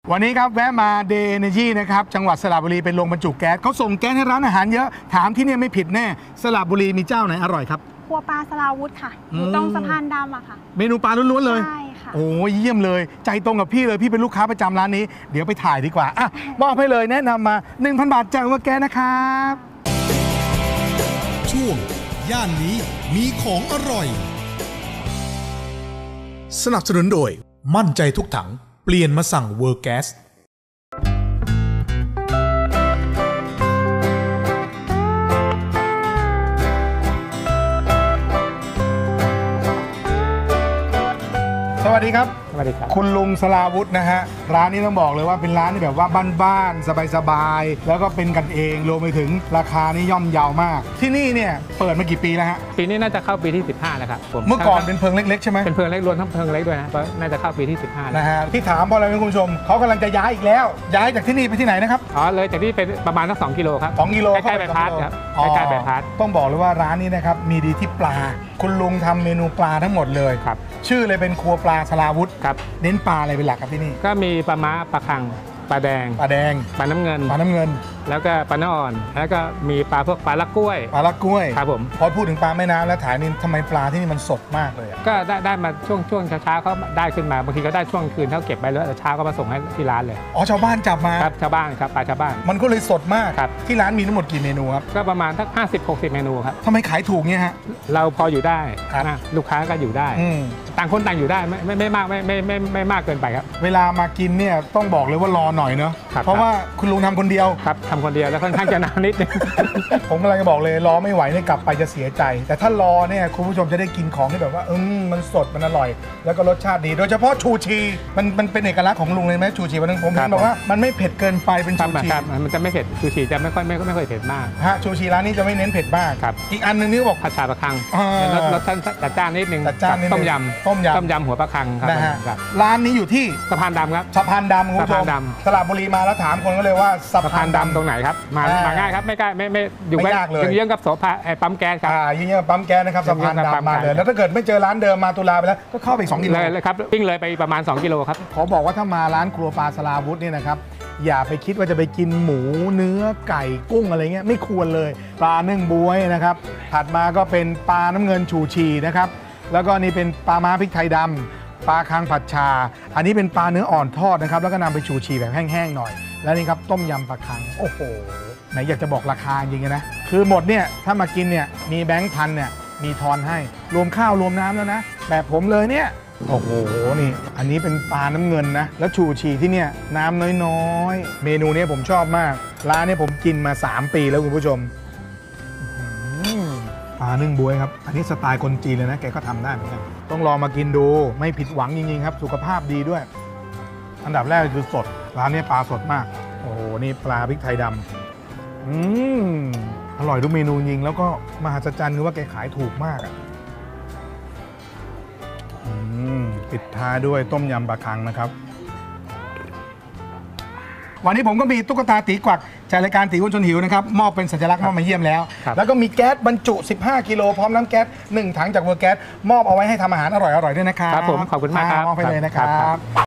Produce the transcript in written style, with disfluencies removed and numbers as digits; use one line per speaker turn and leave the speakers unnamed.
วันนี้ครับแวะมาเดย์เอเนจีนะครับจังหวัดสระบุรีเป็นโรงบรรจุแก๊สเขาส่งแก๊สให้ร้านอาหารเยอะถามที่นี่ไม่ผิดแน่สระบุรีมีเจ้าไหนอร่อยครับ
ครัวปลาสลาวุธค่ะอยู่ตรงสะพานดำอะค่ะ
เมนูปลาล้วนๆเลย
ใช่ค่ะ
โอ้ยเยี่ยมเลยใจตรงกับพี่เลยพี่เป็นลูกค้าประจำร้านนี้เดี๋ยวไปถ่ายดีกว่าอ่ะมอบให้เลยแนะนำมา 1,000 บาทจากว่าแก๊สนะครับ
ช่วงย่านนี้มีของอร่อยสนับสนุนโดยมั่นใจทุกถังเปลี่ยนมาสั่งเวอร์แก๊ส
สวัสดีครับ
สวัสดีครับ
คุณลุงสลาวุฒินะฮะร้านนี้ต้องบอกเลยว่าเป็นร้านที่แบบว่าบ้านๆสบายๆแล้วก็เป็นกันเองรวมไปถึงราคานี่ย่อมเยาวมากที่นี่เนี่ยเปิดมากี่ปีแล้วฮะ
ปีนี้น่าจะเข้าปีที่15แล้วครับผม
เมื่อก่อนเป็นเพิงเล็กๆใช่ไหม
เป็นเพิงเล็กรวมทั้งเพิงเล็กด้วยนะก็น่าจะเข้าปีที่15แล้ว
นะฮะที่ถามเพราะอะไรคุณผู้ชมเขากำลังจะย้ายอีกแล้วย้ายจากที่นี่ไปที่ไหนนะครับ
อ๋อเลยจากที่เป็นประมาณสัก2 กิโลครับ
2 กิโล
ใกล้ๆใบพัดครับใกล้ๆใบพัด
ต้องบอกเลยว่าร้านนี้นะครับมีดีที่ปลาคุณลุงทำเมนูปลาทั้งหมดเลย
ครับ
ชื่อเลยเป็นครัวปลาสลาวุธ
ครับ
เน้นปลาอะไรเป็นหลักครับที่นี่
ก็มีปลาม้าปลาคังปลาแดงปลาน้ำเงินแล้วก็ปลาเนื้ออ่อนแล้วก็มีปลาพวกปลาละกล้วยครับผม
พอพูดถึงปลาแม่น้ำแล้วถ่ายนี่ทำไมปลาที่นี่มันสดมากเลย
ก็ได้มาช่วงเช้าเขาได้ขึ้นมาบางทีก็ได้ช่วงคืนเขาเก็บไปแล้วเช้าก็มาส่งให้ที่ร้านเลย
อ๋อชาวบ้านจับมา
ครับชาวบ้านครับปลาชาวบ้าน
มันก็เลยสดมาก
ครับ
ที่ร้านมีทั้งหมดกี่เมนูครับ
ก็ประมาณสัก50-60 เมนูครับ
ทำไมขายถูกเนี่ยฮะ
เราพออยู่ได้ลูกค้าก็อยู่ได้ต่างคนต่างอยู่ได้ไม่มากไม่มากเกินไปครับ
เวลามากินเนี่ยต้องบอกเลยว่ารอหน่อยเนาะเพราะว่าคุณลุงทำคนเดียว
ครับทำคนเดียวแล้วค่อนข้างจะนานนิดนึง
ผมกำลังจะบอกเลยรอไม่ไหวเนี่ยกลับไปจะเสียใจแต่ถ้ารอเนี่ยคุณผู้ชมจะได้กินของที่แบบว่ามันสดมันอร่อยแล้วก็รสชาติดีโดยเฉพาะชูชีมันเป็นเอกลักษณ์ของลุงเลยไหมชูชีวันนึงผมเห็นบอกว่ามันไม่เผ็ดเกินไปเป็นชูชี
มันจะไม่เผ็ดชูชีจะไม่ค่อยเผ็ดมาก
ฮะชูชีร้านนี้จะไม่เน้นเผ็ดมากอีกอันนึงนี่บอก
ผัดชาปลาคังรสจัดจ้านนิดนึงต้มยำหัวปลาคังครับ
นะฮะร้านนี้อยู่ที่
สะพานดำครับ
สะพานดำคุณผู้ชมสระบุรีมาแล้วถามคนก็เลยว่า
สะพานดำตรงไหนครับมาง่ายครับไม่ใกล้ไม่อยู่ไม่ยากเลยเยื้องกับโสภาปั๊มแก๊สครับ
เยื้องกับปั๊มแก๊สนะครับสะพานดำมาเลยแล้วถ้าเกิดไม่เจอร้านเดิมมาตุลาไปแล้วก็เข้าไป2 กิโล
เลยครับวิ่งเลยไปประมาณ2 กิโลครับ
ขอบอกว่าถ้ามาร้านครัวปลาสลาวุธเนี่ยนะครับอย่าไปคิดว่าจะไปกินหมูเนื้อไก่กุ้งอะไรเงี้ยไม่ควรเลยปลานึ่งบ๊วยนะครับถัดมาก็เป็นปลาน้ำเงินชูชีนะครับแล้วก็นี่เป็นปลาม้าพริกไทยดำปลาคังผัดชาอันนี้เป็นปลาเนื้ออ่อนทอดนะครับแล้วก็นำไปชูชีแบบแห้งๆหน่อยแล้วนี่ครับต้มยำปลาคังโอ้โหไหนอยากจะบอกราคาจริงๆนะคือหมดเนี่ยถ้ามากินเนี่ยมีแบงค์พันเนี่ยมีทอนให้รวมข้าวรวมน้ำแล้วนะแบบผมเลยเนี่ยโอ้โหนี่อันนี้เป็นปลาน้ำเงินนะแล้วชูชีที่เนี่ยน้ำน้อยๆเมนูนี้ผมชอบมากร้านนี้ผมกินมา3 ปีแล้วคุณผู้ชมปลานึ่งบ๊วยครับอันนี้สไตล์คนจีนเลยนะแกก็ทำได้เหมือนกันต้องลองมากินดูไม่ผิดหวังจริงๆครับสุขภาพดีด้วยอันดับแรกคือสดร้านนี้ปลาสดมากโอ้โหนี่ปลาพริกไทยดำอร่อยทุกเมนูจริงแล้วก็มหัศจรรย์คือว่าแกขายถูกมากปิดท้ายด้วยต้มยำปลาคังนะครับวันนี้ผมก็มีตุ๊กตาตีกวักจากรายการตีอ้วนชวนหิวนะครับมอบเป็นสัญลักษณ์มอบมาเยี่ยมแล้วแล้วก็มีแก๊สบรรจุ15 กิโลพร้อมน้ำแก๊ส1 ถังจากเวอร์แก๊สมอบเอาไว้ให้ทำอาหารอร่อยๆด้วยนะครับ
ครับผมขอบคุณมากครับ
มอบไปเลยนะครับ